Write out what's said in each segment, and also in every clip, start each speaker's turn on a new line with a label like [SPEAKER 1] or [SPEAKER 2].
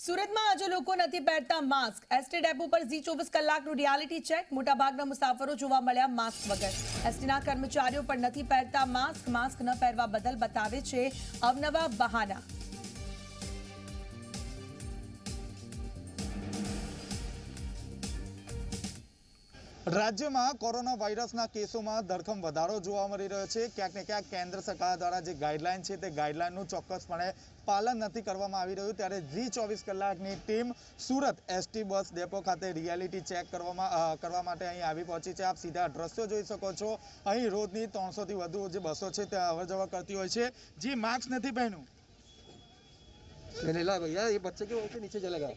[SPEAKER 1] સુરતમાં આજે લોકો નથી પહેરતા માસ્ક। એસટી ડેપો પર ઝી 24 કલાકનું રિયાલિટી ચેક। મોટાભાગના મુસાફરો જોવા મળ્યા માસ્ક વગર। એસટીના કર્મચારીઓ પણ નથી પહેરતા માસ્ક। માસ્ક ન પહેરવા બદલ બતાવે છે અવનવા બહાના।
[SPEAKER 2] રાજ્યમાં કોરોના વાયરસના કેસોમાં ધરખમ વધારો જોવા મળી રહ્યો છે। ક્યાંક ને ક્યાંક કેન્દ્ર સરકાર દ્વારા જે ગાઈડલાઈન છે તે ગાઈડલાઈનનું ચોક્કસપણે પાલન નથી કરવામાં આવી રહ્યું, ત્યારે ઝી 24 કલાકની team Surat ST bus depot ખાતે રિયાલિટી ચેક કરવા માટે અહીં આવી પહોંચી છે। આપ સીધા દ્રશ્યો જોઈ શકો છો। અહીં રોજની 300 થી વધુ જે બસો છે તે અવર જવર કરતી હોય છે। જી માસ્ક નથી પહેર્યું
[SPEAKER 3] भैया ये बच्चे के ऊपर नीचे चलेगा।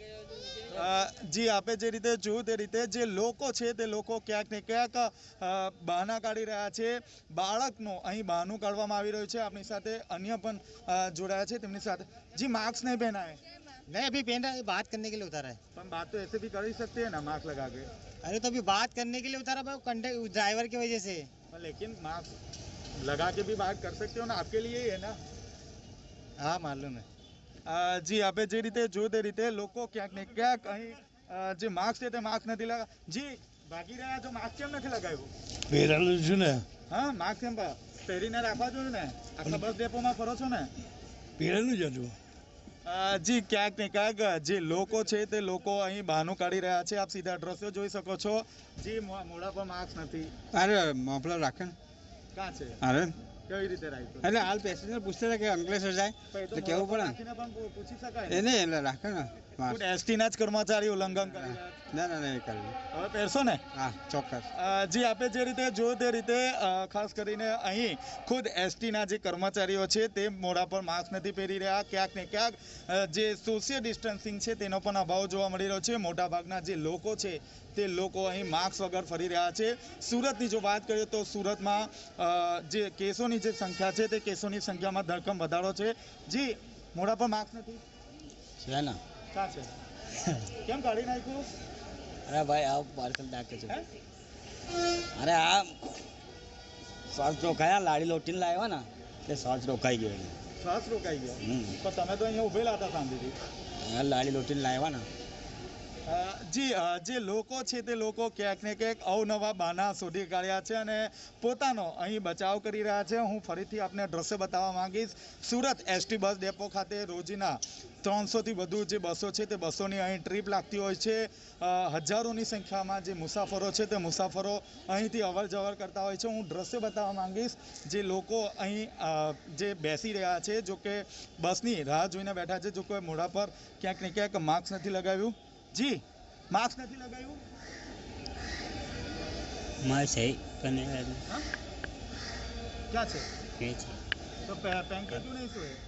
[SPEAKER 2] જી આપે જે રીતે જોયું તે રીતે જે લોકો છે તે લોકો ક્યાંક ને ક્યાંક બહાના કાઢી રહ્યા છે। બાળકનું અહીં બહાનું કાઢવામાં આવી રહ્યું છે। આપણી સાથે અન્ય પણ જોડાયા છે, તેમની સાથે જી માસ્ક नहीं पहना है।
[SPEAKER 3] नहीं अभी पहन रहा है, बात करने के लिए उतारा है।
[SPEAKER 2] पर बात तो ऐसे भी कर ही सकते हैं ना मास्क लगा के।
[SPEAKER 3] अरे तो अभी बात करने के लिए उतारा भाई, कंडक्टर ड्राइवर की वजह से।
[SPEAKER 2] लेकिन मास्क लगा के भी बात कर सकते हो ना, आपके लिए ही है ना।
[SPEAKER 3] हाँ मालूम है।
[SPEAKER 2] જી આપે જે રીતે જોયું તે રીતે લોકો ક્યાંક ને ક્યાંક અહીં જે માસ્ક છે તે માસ્ક નથી લગા જી ભાગી રહ્યા છો। માસ્ક કેમ નથી લગાવ્યું?
[SPEAKER 4] પહેરેલું છું ને।
[SPEAKER 2] હા માસ્ક કેમ પહેરીને રાખવા જોઈએ ને, આખા બસ ડેપોમાં ફરો છો ને।
[SPEAKER 4] પહેરેલું જ હતું।
[SPEAKER 2] જી ક્યાંક ને ક્યાંક જે લોકો છે તે લોકો અહીં બહાનું કાઢી રહ્યા છે। આપ સીધા દ્રશ્યો જોઈ શકો છો। જી મોઢા પર માસ્ક નથી।
[SPEAKER 3] अरे मफलर રાખે ને।
[SPEAKER 2] ક્યાં છે?
[SPEAKER 3] अरे
[SPEAKER 2] કેવી રીતે રાખ્યું?
[SPEAKER 3] એટલે હાલ પેસેન્જર પૂછતા હતા કે અંકલેશ્વર જાય તો કેવું પડે
[SPEAKER 2] પણ પૂછી શકાય
[SPEAKER 3] એને એટલે રાખે ને
[SPEAKER 2] ને। એસટીના જ કર્મચારી ઉલ્લંઘન કરી રહ્યા છે।
[SPEAKER 3] ના ના નહીં કરવું।
[SPEAKER 2] હવે પહેરશો ને?
[SPEAKER 3] હા ચોક્કસ।
[SPEAKER 2] જી આપે જે રીતે જોયું તે રીતે ખાસ કરીને અહીં ખુદ એસટીના જે કર્મચારીઓ છે તે મોઢા પર માસ્ક નથી પહેરી રહ્યા। ક્યાંક ને ક્યાંક જે સોશિયલ ડિસ્ટન્સિંગ છે તેનો પણ અભાવ જોવા મળી રહ્યો છે। મોટાભાગના જે લોકો છે તે લોકો અહીં માસ્ક વગર ફરી રહ્યા છે। સુરતની જો વાત કરીએ તો સુરતમાં જે કેસોની જે સંખ્યા છે તે કેસોની સંખ્યામાં ધરખમ વધારો છે। જી મોઢા પર માસ્ક નથી
[SPEAKER 3] છે ને?
[SPEAKER 2] ક્યાં છે? કેમ કાઢી નાખ્યું?
[SPEAKER 3] અરે ભાઈ આ પાર્સલ નાખે છે। અરે આ શ્વાસ રોકાયા, લાડી લોટીને લાવ્યા ને તે શ્વાસ રોકાઈ ગયો।
[SPEAKER 2] શ્વાસ રોકાઈ ગયો? તો તમે તો અહીંયા ઉભેલા હતા શાંતિથી।
[SPEAKER 3] લાડી લોટીને લાવ્યા ને।
[SPEAKER 2] જી જે લોકો છે તે લોકો ક્યાંક ને ક્યાંક અવનવા બહાના શોધી કાઢ્યા છે અને પોતાનો અહીં બચાવ કરી રહ્યા છે। હું ફરીથી આપને દ્રશ્ય બતાવવા માંગીશ। સુરત એસટી બસ ડેપો ખાતે રોજના 300 થી વધુ જે બસો છે તે બસોની અહીં ટ્રીપ લાગતી હોય છે। હજારોની સંખ્યામાં જે મુસાફરો છે તે મુસાફરો અહીંથી અવર જવર કરતા હોય છે। હું દ્રશ્ય બતાવવા માંગીશ। જે લોકો અહીં જે બેસી રહ્યા છે, જો કે બસની રાહ જોઈને બેઠા છે, જો કોઈ મોઢા પર ક્યાંક ને ક્યાંક માસ્ક નથી લગાવ્યું। જી માસ્ક નથી લગાવ્યું?
[SPEAKER 3] મારે છે પણ
[SPEAKER 2] ક્યાં છે?
[SPEAKER 3] કે છે
[SPEAKER 2] તો પहन के क्यों नहीं सोए?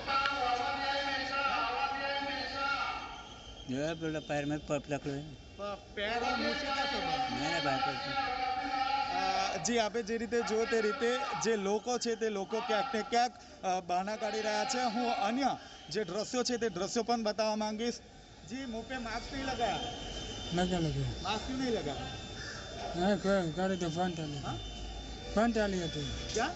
[SPEAKER 3] જો પેલા पैर में पकड़ो
[SPEAKER 2] पैर और मुंह से क्या संबंध?
[SPEAKER 3] मैंने बात
[SPEAKER 2] જી આપે જે રીતે જો તે રીતે જે લોકો છે તે લોકો ક્યાંક ને ક્યાંક બહાના કાઢી રહ્યા છે। હું અન્ય જે દ્રશ્યો છે તે દ્રશ્યો પણ બતાવવા માંગીશ। जी मुंह पे मास्क नहीं लगाया?
[SPEAKER 5] लगा लगा
[SPEAKER 2] मास्क क्यों नहीं लगाया?
[SPEAKER 5] नहीं कोई गाड़ी तो फोन डाली
[SPEAKER 2] हाँ?
[SPEAKER 5] फोन डाली है तो
[SPEAKER 2] क्या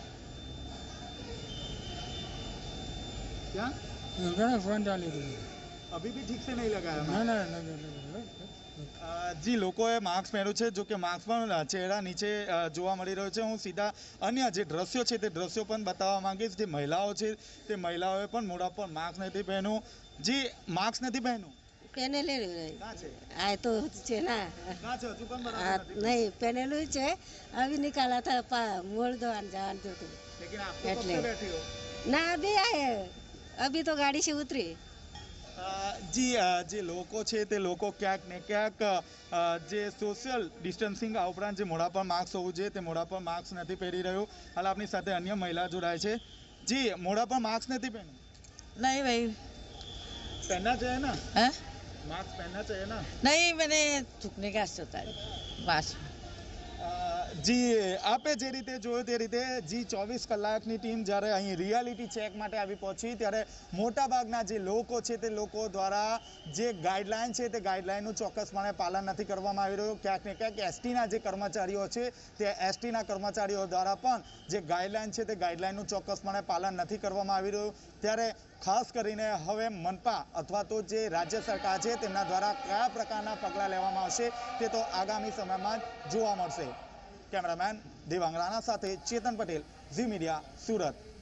[SPEAKER 2] क्या
[SPEAKER 5] गाड़ी फोन डाली थी
[SPEAKER 2] अभी भी ठीक से नहीं लगाया
[SPEAKER 5] ना
[SPEAKER 2] mask?
[SPEAKER 5] ना लगा लगा
[SPEAKER 2] જી લોકોએ માસ્ક પહેર્યું છે, જો કે માસ્ક પણ ચહેરા નીચે જોવા મળી રહ્યો છે। હું સીધા અન્ય જે દ્રશ્યો છે તે દ્રશ્યો પણ બતાવવા માંગીશ। જે મહિલાઓ છે તે મહિલાઓએ પણ મોઢા પર માસ્ક નથી પહેર્યું। જી માસ્ક નથી પહેર્યું?
[SPEAKER 6] પહેરેલું
[SPEAKER 2] ક્યાં છે?
[SPEAKER 6] આ તો છે ના
[SPEAKER 2] ક્યાં છે? હજુ પણ
[SPEAKER 6] આ
[SPEAKER 2] બરાબર નથી।
[SPEAKER 6] નહીં પહેરેલું છે अभी निकाला था मोड़ दो जान दो तो
[SPEAKER 2] लेकिन आप तो कब
[SPEAKER 6] એટલે।
[SPEAKER 2] से बैठी हो?
[SPEAKER 6] ना अभी आए अभी तो गाड़ी से उतरी
[SPEAKER 2] જી જે લોકો છે તે લોકો ક્યાંક ને ક્યાંક જે સોશિયલ ડિસ્ટન્સિંગ આ ઉપરાંત જે મોઢા પર માસ્ક હોવું જોઈએ તે મોઢા પર માસ્ક નથી પહેરી રહ્યું। હાલ આપણી સાથે અન્ય મહિલા જોડાય છે। જી મોઢા પર માસ્ક નથી પહેર્યું?
[SPEAKER 7] नहीं भाई
[SPEAKER 2] पहनना चाहिए ना,
[SPEAKER 7] है?
[SPEAKER 2] मास्क पहनना चाहिए ना।
[SPEAKER 7] नहीं मैंने थूकने का होता है बस।
[SPEAKER 2] જી આપે જે રીતે જોયું તે રીતે જી 24 કલાકની ટીમ જ્યારે અહીં રિયાલિટી ચેક માટે આવી પહોંચી ત્યારે મોટાભાગના જે લોકો છે તે લોકો દ્વારા જે ગાઈડલાઈન છે તે ગાઈડલાઈનનું ચોક્કસપણે પાલન નથી કરવામાં આવી રહ્યું। ક્યાંક ને ક્યાંક એસટીના જે કર્મચારીઓ છે તે એસટીના કર્મચારીઓ દ્વારા પણ જે ગાઈડલાઈન છે તે ગાઈડલાઈનનું ચોક્કસપણે પાલન નથી કરવામાં આવી રહ્યું। ત્યારે ખાસ કરીને હવે મનપા અથવા તો જે રાજ્ય સરકાર છે તેમના દ્વારા કયા પ્રકારના પગલાં લેવામાં આવશે તે તો આગામી સમયમાં જ જોવા મળશે. કેમેરામેન દેવાંગ રાણા સાથે ચેતન પટેલ, ઝી મીડિયા, સુરત.